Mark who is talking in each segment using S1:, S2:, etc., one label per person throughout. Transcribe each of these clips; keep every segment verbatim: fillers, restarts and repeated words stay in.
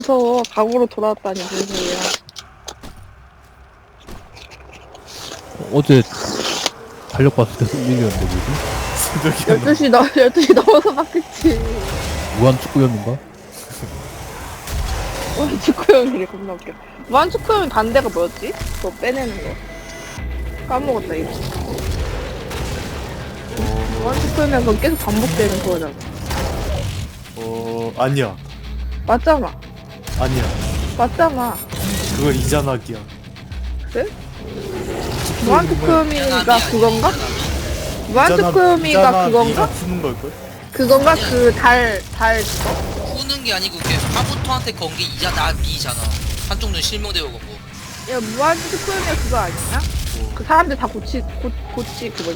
S1: 무서워. 과거로 돌아왔다니 무슨 소리야.
S2: 어제 달력 봤을 때 승민이었는데 뭐지?
S3: 새벽에
S1: 열두 시 넘, 열두 시 넘어서 봤겠지.
S2: 무한 축구연인가?
S1: 무한 축구형이래. 겁나 웃겨. 무한 축구형 반대가 뭐였지? 그거 빼내는 거. 까먹었다, 이거. 무한 축구형은 그건 계속 반복되는 거잖아.
S3: 어 아니야
S1: 맞잖아.
S3: 아니야
S1: 맞잖아.
S3: 그거 이자나기야.
S1: 그래? 무한 축구형이가 그건가? 무한 축구형이가 그건가?
S3: 푸는 걸걸?
S1: 그건가? 그 달, 달 그거?
S4: 푸는 게 아니고 그게 카부토한테 건 게 이자 나 B잖아. 한쪽 눈 실명되고 건 거.
S1: 야, 무한 축구형이 그거 아니냐?
S3: 뭐,
S1: 그 사람들 다 고치, 고, 고치 그거냐?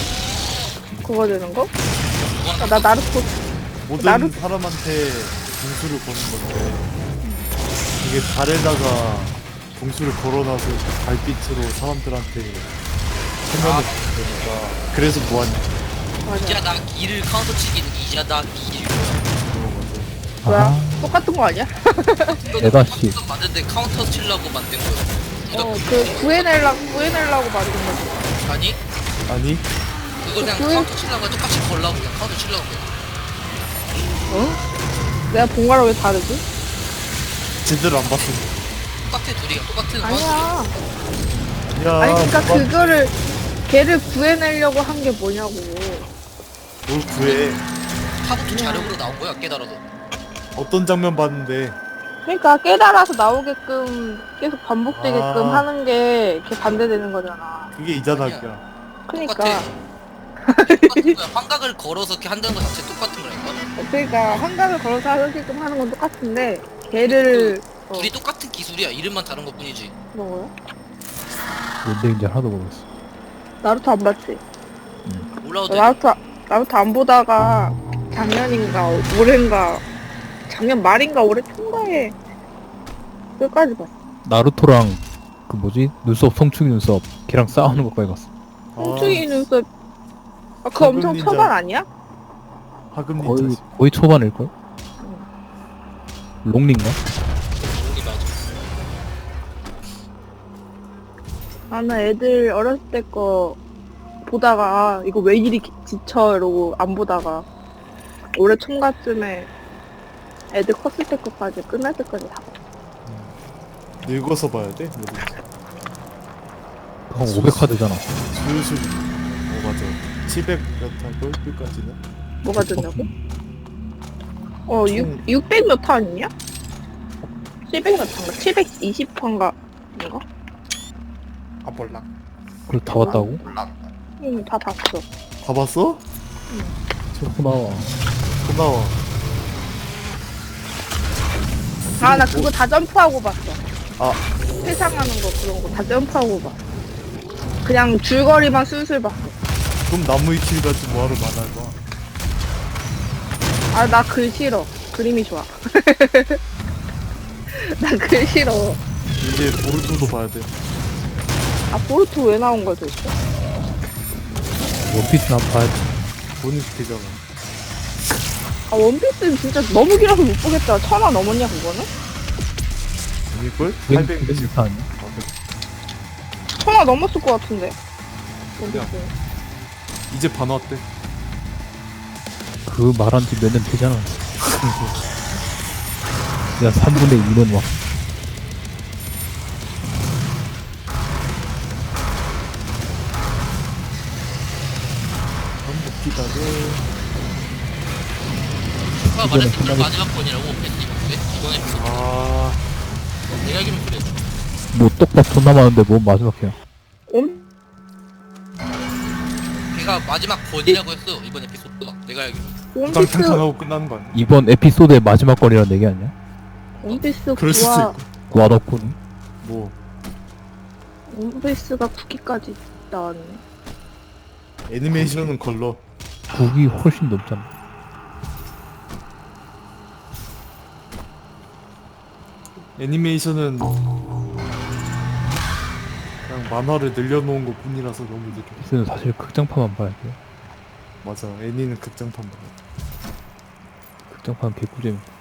S1: 그거 되는 거? 아, 나 나루토
S3: 모든
S1: 나루-
S3: 사람한테 봉수를 거는 건데 이게 달에다가 봉수를 걸어놔서 그 달빛으로 사람들한테 설명을 주는 거니까 그래서 뭐하냐.
S1: 맞아.
S4: 이자 나 B를 카운터 치기는 이자 나 B를.
S1: 뭐야?
S2: 아,
S1: 똑같은 거 아니야?
S2: 내가 씨.
S4: 만든데 카운터 치려고 만든 거야.
S1: 어, 그 구해내려고 구해내려고 만든 거지.
S4: 아니
S3: 아니
S4: 그거 그냥
S1: 그-
S4: 카운터 치려고 똑같이 걸라고 그냥 카운터 치려고 그래.
S1: 어? 내가 본 거랑 왜 다르지?
S3: 제대로 안 봤어.
S4: 똑같아 둘이가 똑같은
S1: 아니야.
S3: 아니야.
S1: 아니 그러니까
S3: 누가
S1: 그거를 걔를 구해내려고 한 게 뭐냐고.
S3: 뭘 구해.
S4: 카부토 자력으로 나온 거야 깨달아도.
S3: 어떤 장면 봤는데
S1: 그러니까 깨달아서 나오게끔 계속 반복되게끔
S3: 아.
S1: 하는 게 걔 반대되는 거잖아.
S3: 그게 이자나기야.
S1: 그러니까
S4: 똑같아. 똑같은 거야. 환각을 걸어서 이렇게 한다는 거 자체 똑같은 거라니까.
S1: 그러니까 한강을 걸어서 하게끔 하는 건 똑같은데 걔를 어,
S4: 둘이 똑같은 기술이야. 이름만 다른 것 뿐이지.
S1: 뭐야?
S2: 뭔데 하나도 모르겠어.
S1: 나루토 안 봤지?
S4: 올라오도
S1: 나루토 나루토 안 보다가 작년인가 올해인가 작년 말인가 올해 초인가에 끝까지 봤어.
S2: 나루토랑 그 뭐지? 눈썹 성충이 눈썹 걔랑 싸우는 것까지 갔어.
S1: 홍충이 눈썹 아, 그거
S3: 황금
S1: 엄청
S3: 닌자.
S1: 초반 아니야?
S3: 하금
S2: 거의
S3: 닌자지.
S2: 거의 초반일걸? 롱린가?
S4: 우리 맞아.
S1: 나는 애들 어렸을 때 거 보다가 아, 이거 왜 이리 기- 지쳐 이러고 안 보다가 올해 총각쯤에 애들 컸을 때 거까지 끝날 때까지 다 봤어.
S3: 늙어서 봐야 돼. 뭐든지.
S2: 한 오백 카드잖아.
S3: 슬슬. 어 맞아. 칠백 몇 할걸 끝까지는.
S1: 뭐가 된다고? 어,
S3: 총-
S1: 육, 육백 몇 화 아니냐? 칠백 몇 화인가? 칠백이십 화인가? 인가?
S3: 아 몰라.
S2: 그걸 다 봤다고?
S3: 몰라.
S1: 응, 다 봤어.
S3: 다 봤어?
S2: 저거 나와.
S3: 또 나와.
S1: 아, 나 그거 다 점프하고 봤어.
S3: 아
S1: 회상하는 거 그런 거 다 점프하고 봤어. 그냥 줄거리만 슬슬 봤어.
S3: 그럼 나무 위키를 가지고 뭐하러 만화를 봐.
S1: 아, 나 글 싫어. 그림이 좋아. 나 글 싫어.
S3: 이제 보르토도 봐야 돼.
S1: 아, 보르토 왜 나온 거야 도대체?
S2: 원피스나 한번 봐야지.
S3: 본인 되잖아.
S1: 아, 원피스는 진짜 너무 길어서 못 보겠다. 천화 넘었냐, 그거는?
S3: 아닐걸?
S2: 그게
S3: 팔백
S2: 그게
S3: 몇십.
S2: 비슷하냐?
S1: 천화 넘었을 것 같은데. 원피스.
S3: 이제 반 왔대.
S2: 그 말한 지 몇 년 되잖아. 야 삼분의 이는 와.
S3: 한번 기다려.
S4: 아
S2: 이거는
S4: 말했던
S2: 끝나겠-
S4: 마지막 번이라고 팬티인데 이번에
S3: 아
S4: 내가 알기로는 그래.
S2: 뭐 떡밥 존나 많은데 뭐 마지막이야.
S1: 원,
S4: 걔가 마지막 번이라고 했어 이번 에피소드가. 내가 알기로.
S1: 원피스,
S3: 탕탕탕하고 끝나는 거 아니야?
S2: 이번 에피소드의 마지막 건이란 얘기 아니야?
S1: 원피스
S3: 그럴 수도
S1: 구화,
S3: 있고.
S2: 와덕군.
S3: 뭐
S1: 원피스가 구 기까지 나왔네.
S3: 애니메이션은 걸러.
S2: 국이 훨씬 넘잖아.
S3: 애니메이션은 그냥 만화를 늘려놓은 것 뿐이라서 너무 느려.
S2: 에피소드는 사실 극장판만 봐야 돼.
S3: 맞아. 애니는 극장판 봐.
S2: 극장판 개꿀잼.